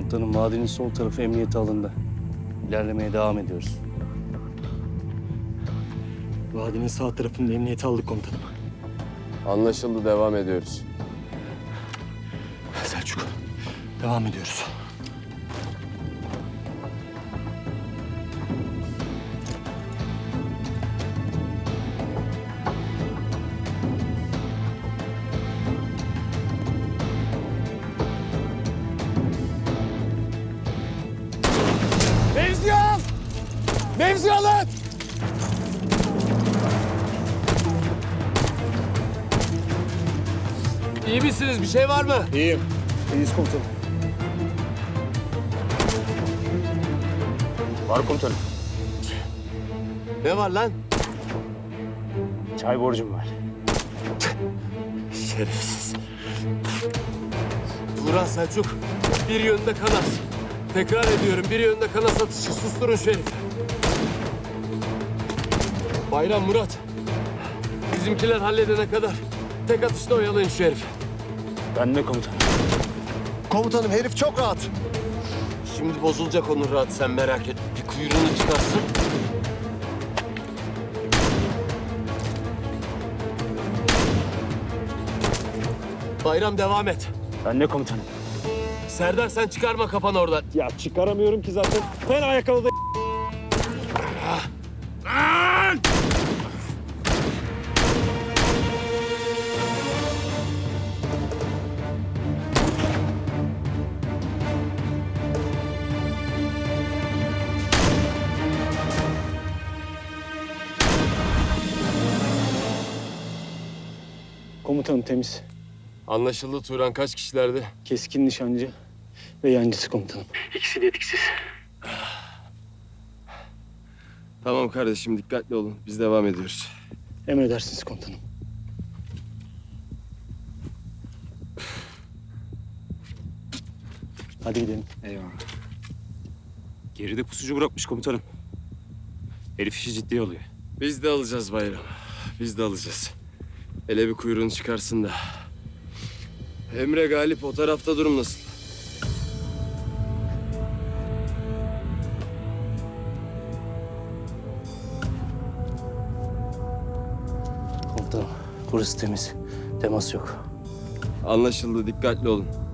Komutanım, vadinin sol tarafı emniyete alındı. İlerlemeye devam ediyoruz. Vadinin sağ tarafını emniyete aldık komutanım. Anlaşıldı, devam ediyoruz. Selçuk, devam ediyoruz. Mevzi al! Mevzi alın! İyi misiniz? Bir şey var mı? İyiyim. İyiyiz komutanım. Var komutanım. Ne var lan? Çay borcum var. Şerefsiz. Turan Selçuk, bir yönde kanat. Tekrar ediyorum, bir yönde kanat atışı. Susturun şu herifi. Bayram, Murat. Bizimkiler halledene kadar tek atışta oyalayın şu herifi. Ben de komutanım. Komutanım herif çok rahat. Şimdi bozulacak onun rahat, sen merak etme. Bir kuyruğunu çıkarsın. Bayram, devam et. Ben de komutanım. Serdar, sen çıkarma kafanı oradan. Ya çıkaramıyorum ki zaten. Ben ayakkabıda... Komutanım temiz. Anlaşıldı Turan, kaç kişilerdi? Keskin nişancı ve yancısı komutanım. Tamam kardeşim, dikkatli olun. Biz devam ediyoruz. Emredersiniz komutanım. Hadi gidelim. Eyvallah. Geride pusucu bırakmış komutanım. Herif işi ciddiye alıyor. Biz de alacağız Bayram. Biz de alacağız. Hele bir kuyruğunu çıkarsın da. Emre, Galip, o tarafta durum nasıl? Komutanım, burası temiz. Temas yok. Anlaşıldı, dikkatli olun.